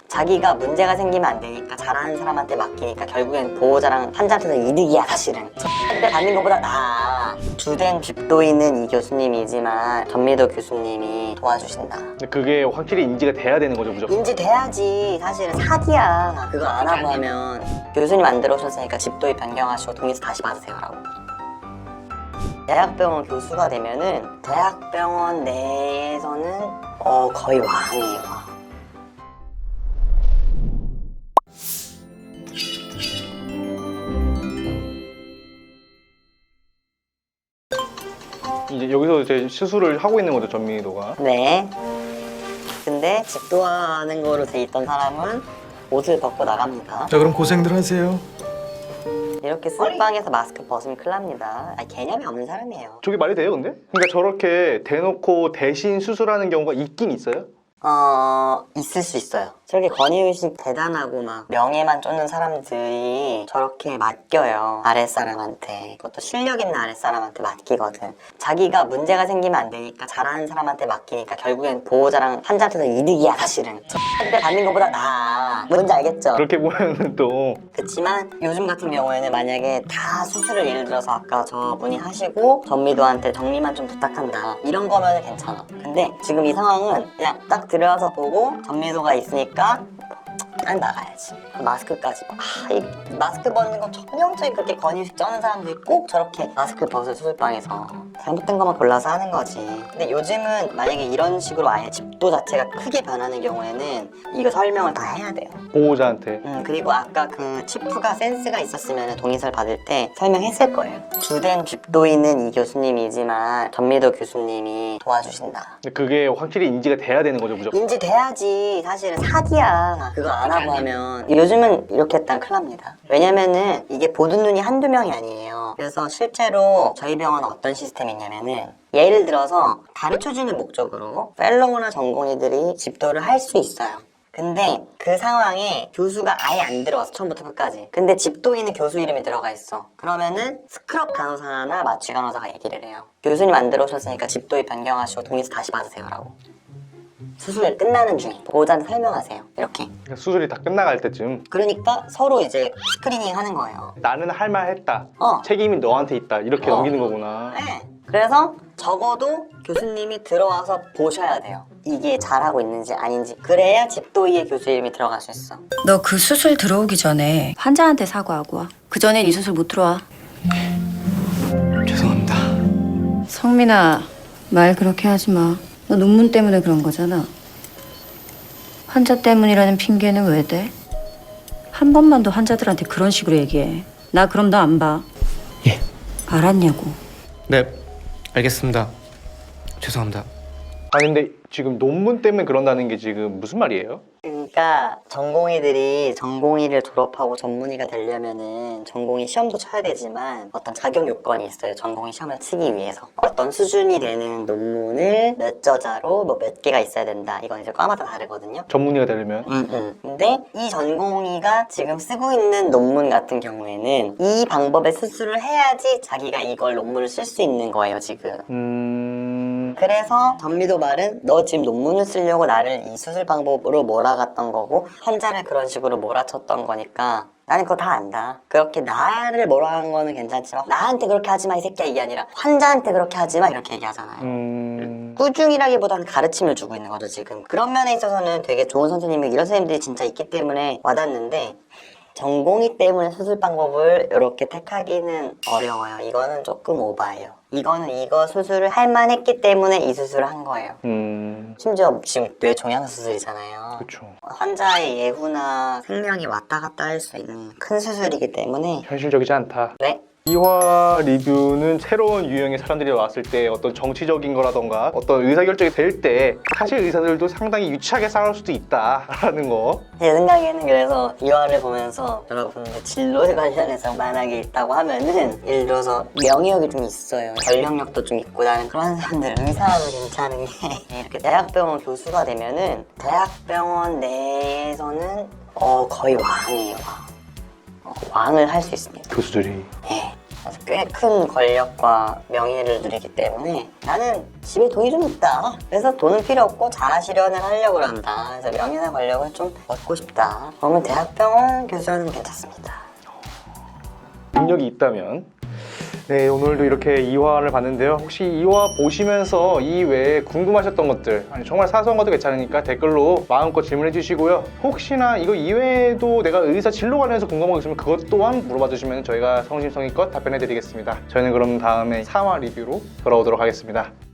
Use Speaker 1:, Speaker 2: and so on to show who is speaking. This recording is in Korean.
Speaker 1: 자기가 문제가 생기면 안 되니까 잘하는 사람한테 맡기니까 결국엔 보호자랑 환자한테는 이득이야 사실은. 때 받는 것보다 나아. 주된 집도인은 이 교수님이지만 전미도 교수님이 도와주신다.
Speaker 2: 근데 그게 확실히 인지가 돼야 되는 거죠, 무조건.
Speaker 1: 인지돼야지. 사실은 사기야. 그거 안 하고 하면 교수님 안 들어오셨으니까 집도의 변경하시고 동의서 다시 받으세요 라고. 대학병원 교수가 되면은 대학병원 내에서는 거의 왕이에요.
Speaker 2: 이제 여기서 이제 수술을 하고 있는 거죠, 전민희도가.
Speaker 1: 네. 근데 집도하는 거로 돼 있던 사람은 옷을 벗고 나갑니다.
Speaker 3: 자, 그럼 고생들 하세요.
Speaker 1: 이렇게 술방에서 마스크 벗으면 큰일 납니다. 아니, 개념이 없는 사람이에요.
Speaker 2: 저게 말이 돼요, 근데? 그러니까 저렇게 대놓고 대신 수술하는 경우가 있긴 있어요?
Speaker 1: 있을 수 있어요. 저렇게 권위의식 대단하고 막 명예만 쫓는 사람들이 저렇게 맡겨요. 아랫사람한테. 그것도 실력 있는 아랫사람한테 맡기거든. 자기가 문제가 생기면 안 되니까 잘하는 사람한테 맡기니까 결국엔 보호자랑 환자한테는 이득이야 사실은. 때 받는 것보다 나아. 뭔지 알겠죠?
Speaker 2: 그렇게 보면은 또
Speaker 1: 그렇지만 요즘 같은 경우에는 만약에 다 수술을 예를 들어서 아까 저분이 하시고 전미도한테 정리만 좀 부탁한다 이런 거면 괜찮아. 근데 지금 이 상황은 그냥 딱 들어와서 보고 전미도가 있으니까 난 나가야지. 마스크까지. 이 마스크 벗는 거 전형적인 그렇게 권위식 쩌는 사람들이 꼭 저렇게 마스크 벗을 수술방에서 잘못된 것만 골라서 하는 거지. 근데 요즘은 만약에 이런 식으로 아예 집도 자체가 크게 변하는 경우에는 이거 설명을 다 해야 돼요.
Speaker 2: 보호자한테.
Speaker 1: 그리고 아까 그 치프가 센스가 있었으면 동의서를 받을 때 설명했을 거예요. 주된 집도인은 이 교수님이지만 전미도 교수님이 도와주신다.
Speaker 2: 근데 그게 확실히 인지가 돼야 되는 거죠, 무조건.
Speaker 1: 인지돼야지. 사실은 사기야. 그거 안 하고 하면. 요즘은 이렇게 했다면 큰일 납니다. 왜냐면은 이게 보는 눈이 한두 명이 아니에요. 그래서 실제로 저희 병원은 어떤 시스템이 있냐면은 예를 들어서 가르쳐주는 목적으로 펠로우나 전공의들이 집도를 할 수 있어요. 근데 그 상황에 교수가 아예 안 들어와서 처음부터 끝까지. 근데 집도인은 교수 이름이 들어가 있어. 그러면은 스크럽 간호사나 마취 간호사가 얘기를 해요. 교수님 안 들어오셨으니까 집도의 변경하시고 동의서 다시 받으세요 라고. 수술 끝나는 중에 보호자한테 설명하세요. 이렇게.
Speaker 2: 그러니까 수술이 다 끝나갈 때쯤
Speaker 1: 그러니까 서로 이제 스크리닝 하는 거예요.
Speaker 2: 나는 할 말 했다.
Speaker 1: 어.
Speaker 2: 책임이 너한테 있다. 이렇게 넘기는 거구나.
Speaker 1: 네. 그래서 적어도 교수님이 들어와서 보셔야 돼요. 이게 잘하고 있는지 아닌지. 그래야 집도의의 교수 이름이 들어갈 수 있어.
Speaker 4: 너 그 수술 들어오기 전에 환자한테 사과하고 와. 그 전엔 이 수술 못 들어와.
Speaker 3: 죄송합니다.
Speaker 4: 성민아, 말 그렇게 하지 마. 너 논문 때문에 그런 거잖아. 환자 때문이라는 핑계는 왜 대? 한 번만 더 환자들한테 그런 식으로 얘기해. 나 그럼 너 안 봐.
Speaker 3: 예.
Speaker 4: 알았냐고.
Speaker 3: 네, 알겠습니다. 죄송합니다.
Speaker 2: 아니 근데 지금 논문 때문에 그런다는 게 지금 무슨 말이에요?
Speaker 1: 그러니까 전공의들이 전공의를 졸업하고 전문의가 되려면은 전공의 시험도 쳐야 되지만 어떤 자격 요건이 있어요. 전공의 시험을 치기 위해서 어떤 수준이 되는 논문을 몇 저자로 뭐 몇 개가 있어야 된다. 이건 이제 과마다 다르거든요.
Speaker 2: 전문의가 되려면.
Speaker 1: 근데 이 전공의가 지금 쓰고 있는 논문 같은 경우에는 이 방법의 수술을 해야지 자기가 이걸 논문을 쓸 수 있는 거예요 지금.
Speaker 2: 그래서
Speaker 1: 전미도 말은 너 지금 논문을 쓰려고 나를 이 수술 방법으로 몰아갔던 거고 환자를 그런 식으로 몰아쳤던 거니까 나는 그거 다 안다. 그렇게 나를 몰아간 거는 괜찮지만 나한테 그렇게 하지 마 이 새끼야 이게 아니라 환자한테 그렇게 하지 마 이렇게 얘기하잖아요. 꾸중이라기보다는 가르침을 주고 있는 거죠 지금. 그런 면에 있어서는 되게 좋은 선생님이 이런 선생님들이 진짜 있기 때문에 와닿는데 전공의 때문에 수술 방법을 이렇게 택하기는 어려워요. 이거는 조금 오바예요. 이거는 이거 수술을 할 만했기 때문에 이 수술을 한 거예요. 심지어 지금 뇌 종양 수술이잖아요.
Speaker 2: 그렇죠.
Speaker 1: 환자의 예후나 생명이 왔다 갔다 할 수 있는 큰 수술이기 때문에
Speaker 2: 현실적이지 않다.
Speaker 1: 네.
Speaker 2: 이화 리뷰는 새로운 유형의 사람들이 왔을 때 어떤 정치적인 거라던가 어떤 의사결정이 될 때 사실 의사들도 상당히 유치하게 싸울 수도 있다라는 거.
Speaker 1: 제 생각에는 그래서 이화를 보면서 여러분들 진로에 관련해서 만약에 있다고 하면은 예를 들어서 명예욕이 좀 있어요. 전력력도 좀 있고 나는 그런 사람들 의사도 괜찮은 게 이렇게 대학병원 교수가 되면은 대학병원 내에서는 거의 왕이에요. 왕을 할 수 있습니다.
Speaker 2: 교수들이.
Speaker 1: 예. 그래서 꽤 큰 권력과 명예를 누리기 때문에 나는 집에 돈이 좀 있다. 그래서 돈은 필요 없고 자아실현을 하려고 한다. 그래서 명예나 권력을 좀 얻고 싶다. 그러면 대학병원 교수는 괜찮습니다.
Speaker 2: 능력이 있다면. 네, 오늘도 이렇게 2화를 봤는데요. 혹시 2화 보시면서 이 외에 궁금하셨던 것들, 아니 정말 사소한 것도 괜찮으니까 댓글로 마음껏 질문해 주시고요. 혹시나 이거 이외에도 내가 의사 진로 관련해서 궁금한 거 있으면 그것 또한 물어봐 주시면 저희가 성심성의껏 답변해 드리겠습니다. 저희는 그럼 다음에 3화 리뷰로 돌아오도록 하겠습니다.